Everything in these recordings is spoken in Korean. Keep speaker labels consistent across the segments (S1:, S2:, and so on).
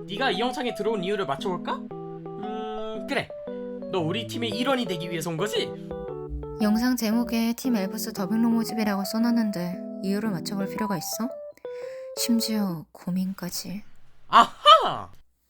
S1: 네가 이 영상에 들어온 이유를 맞춰볼까? 그래. 너 우리 팀의 일원이 되기 위해서 온 거지?
S2: 영상 제목에 팀 엘브스 더빙로 모집이라고 써놨는데 이유를 맞춰볼 필요가 있어? 심지어 고민까지.
S1: 아하!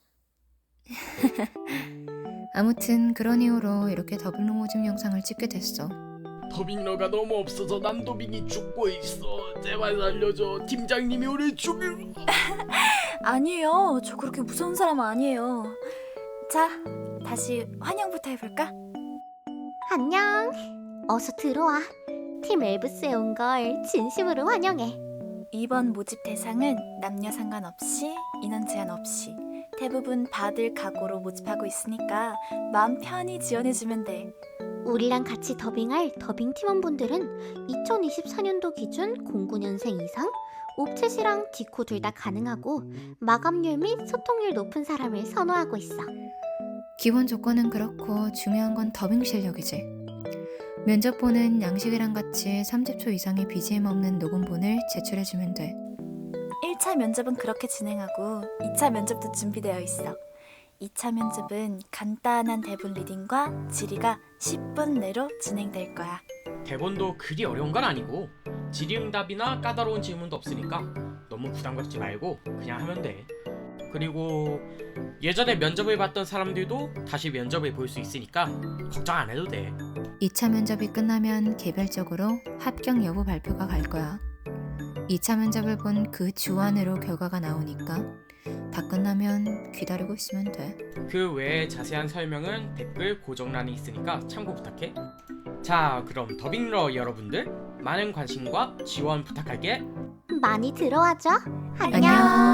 S2: 아무튼 그런 이유로 이렇게 더빙로 모집 영상을 찍게 됐어.
S1: 더빙러가 너무 없어서 남도빙이 죽고 있어. 제발 살려줘. 팀장님이 우리 죽일...
S3: 아니에요. 저 그렇게 무서운 사람 아니에요. 자, 다시 환영부터 해볼까?
S4: 안녕. 어서 들어와. 팀 엘브스에 온 걸 진심으로 환영해.
S3: 이번 모집 대상은 남녀 상관없이 인원 제한 없이 대부분 받을 각오로 모집하고 있으니까 마음 편히 지원해주면 돼.
S4: 우리랑 같이 더빙할 더빙 팀원분들은 2024년도 기준 09년생 이상, 옵챗이랑 디코 둘 다 가능하고 마감률 및 소통률 높은 사람을 선호하고 있어.
S2: 기본 조건은 그렇고 중요한 건 더빙 실력이지. 면접본은 양식이랑 같이 30초 이상의 BGM 없는 녹음본을 제출해주면 돼.
S3: 1차 면접은 그렇게 진행하고 2차 면접도 준비되어 있어. 2차 면접은 간단한 대본 리딩과 질의가 10분 내로 진행될 거야.
S1: 대본도 그리 어려운 건 아니고 질의응답이나 까다로운 질문도 없으니까 너무 부담 갖지 말고 그냥 하면 돼. 그리고 예전에 면접을 봤던 사람들도 다시 면접을 볼 수 있으니까 걱정 안 해도 돼.
S2: 2차 면접이 끝나면 개별적으로 합격 여부 발표가 갈 거야. 2차 면접을 본 그 주 안으로 결과가 나오니까 다 끝나면 기다리고 있으면 돼.
S1: 그 외에 자세한 설명은 댓글 고정란에 있으니까 참고 부탁해. 자, 그럼 더빙러 여러분들 많은 관심과 지원 부탁할게.
S4: 많이 들어와줘.
S2: 안녕.